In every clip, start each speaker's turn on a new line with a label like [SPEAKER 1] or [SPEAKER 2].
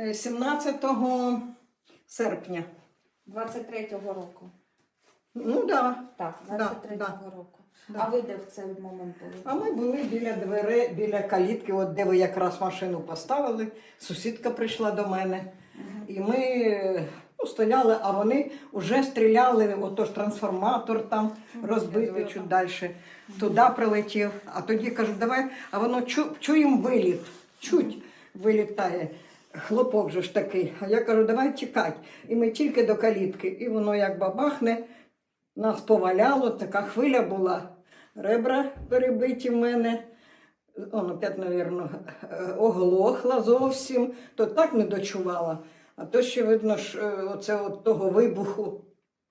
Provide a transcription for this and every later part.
[SPEAKER 1] 17 серпня.
[SPEAKER 2] 23-го року.
[SPEAKER 1] Ну так.
[SPEAKER 2] Так,
[SPEAKER 1] Да,
[SPEAKER 2] 23-го року.
[SPEAKER 1] Да.
[SPEAKER 2] А ви де в цей момент були?
[SPEAKER 1] А ми були біля дверей, біля калітки, от де ви якраз машину поставили. Сусідка прийшла до мене. І ми стояли, а вони вже стріляли, отож трансформатор там розбитий чуть далі. Туди прилетів. А тоді кажу, давай, а воно чуємо виліт. Чуть вилітає. Хлопок же ж такий. А я кажу, давай тікати. І ми тільки до калітки. І воно як бабахне, нас поваляло, така хвиля була. Ребра перебиті в мене. Он опять, мабуть, оглохла зовсім. То так не дочувала. А то ще видно, що оце от того вибуху.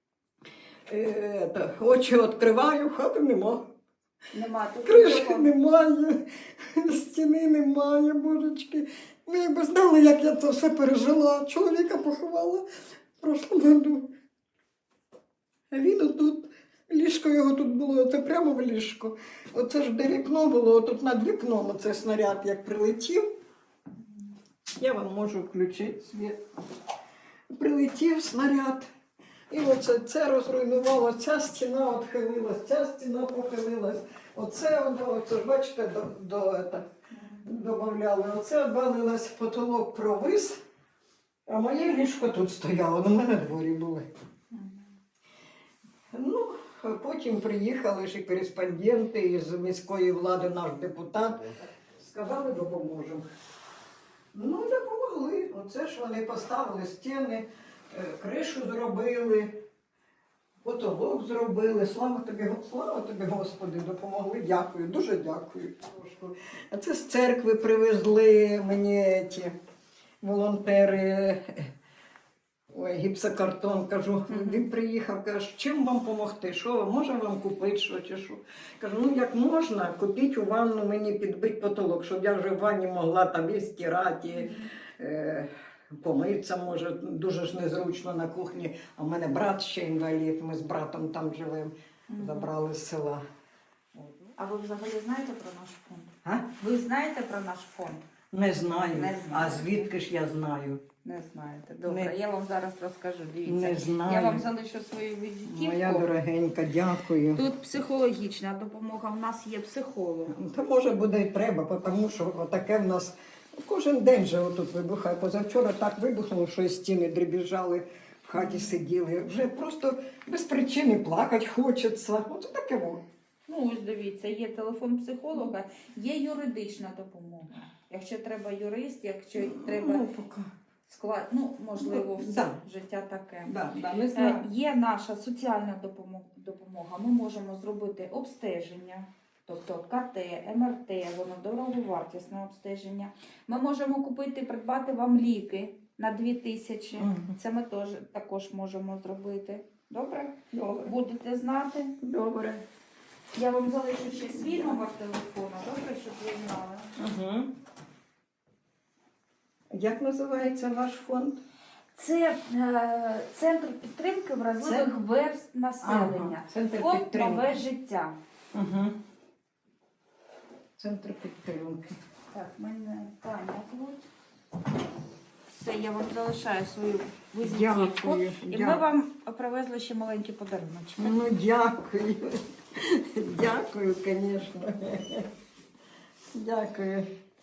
[SPEAKER 1] Очі відкриваю, хати нема.
[SPEAKER 2] Нема тут.
[SPEAKER 1] Кришки немає, стіни немає, божечки. Ви якби знали, як я це все пережила. Чоловіка поховала в прошлому году. А він отут, ліжко його тут було, це прямо в ліжко. Оце ж де вікно було, тут над вікном оцей снаряд як прилетів. Я вам можу включити світ. Прилетів снаряд. І оце це розруйнувало, ця стіна відхилилась, ця стіна похилилась. Оце ж, бачите, додавали. Оце обвалилось, потолок провис, а моє ліжко тут стояло, на мене дворі були. Ну, а потім приїхали ж і кореспонденти із міської влади, наш депутат. Сказали, допоможемо. Ну, допомогли. Оце ж вони поставили стіни, кришу зробили, потолок зробили. Слава тобі, Господи, допомогли. Дякую, дуже дякую. А це з церкви привезли мені ті волонтери. Ой, гіпсокартон, кажу, він приїхав, каже, чим вам допомогти, що, може вам купити, що чи що. Кажу, ну як можна, купіть у ванну мені підбити потолок, щоб я вже в ванні могла там і стирати, помитися, може, дуже ж незручно на кухні. А в мене брат ще інвалід, ми з братом там живемо, забрали з села.
[SPEAKER 2] А ви взагалі знаєте про наш фонд?
[SPEAKER 1] А?
[SPEAKER 2] Ви знаєте про наш фонд?
[SPEAKER 1] Не знаю,
[SPEAKER 2] Не
[SPEAKER 1] а
[SPEAKER 2] знаю.
[SPEAKER 1] звідки ж я знаю?
[SPEAKER 2] Не знаєте. Добре,
[SPEAKER 1] Не-
[SPEAKER 2] я вам зараз розкажу. Дивіться.
[SPEAKER 1] Не знаю.
[SPEAKER 2] Я вам залишу свою візитівку.
[SPEAKER 1] Моя дорогенька, дякую.
[SPEAKER 2] Тут психологічна допомога. У нас є психолог.
[SPEAKER 1] Та може буде і треба, тому що таке в нас кожен день же отут вибухає. Позавчора так вибухнуло, що і стіни дребіжали, в хаті сиділи. Вже просто без причини плакати хочеться. Оце таке воно.
[SPEAKER 2] Ну, ось дивіться, є телефон психолога, є юридична допомога. Якщо треба юрист, якщо треба
[SPEAKER 1] Ну, поки.
[SPEAKER 2] склад, ну, можливо, все
[SPEAKER 1] Да.
[SPEAKER 2] життя таке.
[SPEAKER 1] Да, не знаю.
[SPEAKER 2] Є наша соціальна допомога. Ми можемо зробити обстеження, тобто КТ, МРТ, воно дороговартісне обстеження. Ми можемо купити, придбати вам ліки на 2000. Це ми також можемо зробити. Добре?
[SPEAKER 1] Добре.
[SPEAKER 2] Будете знати.
[SPEAKER 1] Добре.
[SPEAKER 2] Я вам залишу ще свій номер телефону, добре, щоб ви знали.
[SPEAKER 1] Угу. Як називається ваш фонд?
[SPEAKER 2] Це центр підтримки вразливих верств населення.
[SPEAKER 1] Ага, центр
[SPEAKER 2] Фонд
[SPEAKER 1] підтримки.
[SPEAKER 2] «Нове життя».
[SPEAKER 1] Угу. Центр підтримки.
[SPEAKER 2] Так, мене Таня звуть. Все, я вам залишаю свою візитівку.
[SPEAKER 1] Дякую.
[SPEAKER 2] І ми вам привезли ще маленькі подаруночки.
[SPEAKER 1] Ну, дякую. Дякую, звісно. Дякую.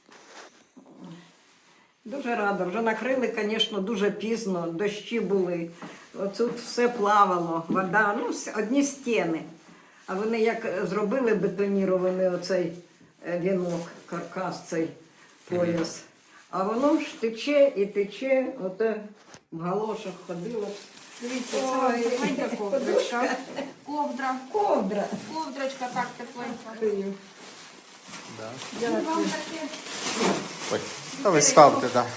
[SPEAKER 1] Дуже рада. Вже накрили, звісно, дуже пізно. Дощі були. Оце все плавало, вода, ну, одні стіни. А вони як зробили бетонірований оцей вінок, каркас, цей пояс. А воно ж тече і тече, оте в галошах ходило.
[SPEAKER 2] Дивіться, це вам тепленька ковдрочка. Ковдра.
[SPEAKER 1] Ковдра.
[SPEAKER 2] Ковдрочка так тепленька.
[SPEAKER 1] Дякую.
[SPEAKER 2] І вам таке,
[SPEAKER 3] Ой, та ви ставте, так.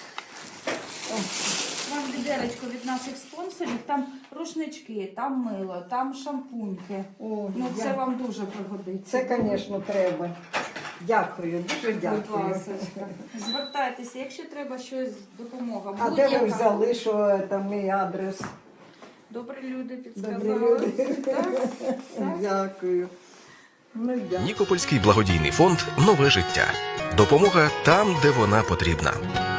[SPEAKER 2] вам відеречко від наших спонсорів. Там рушнички, там мило, там шампуньки.
[SPEAKER 1] О,
[SPEAKER 2] Ну, це вам дуже пригодиться.
[SPEAKER 1] Це, звісно, треба. Дякую, дуже
[SPEAKER 2] Будь
[SPEAKER 1] дякую.
[SPEAKER 2] ласочка. Звертайтеся, якщо треба щось, допомога.
[SPEAKER 1] А де ви
[SPEAKER 2] Будь-яка.
[SPEAKER 1] взяли, що там мій адрес?
[SPEAKER 2] Добрі люди
[SPEAKER 1] Добрі
[SPEAKER 2] підсказали.
[SPEAKER 1] люди.
[SPEAKER 2] Так, так.
[SPEAKER 1] Дякую. Ну, дякую.
[SPEAKER 4] Нікопольський благодійний фонд «Нове життя». Допомога там, де вона потрібна.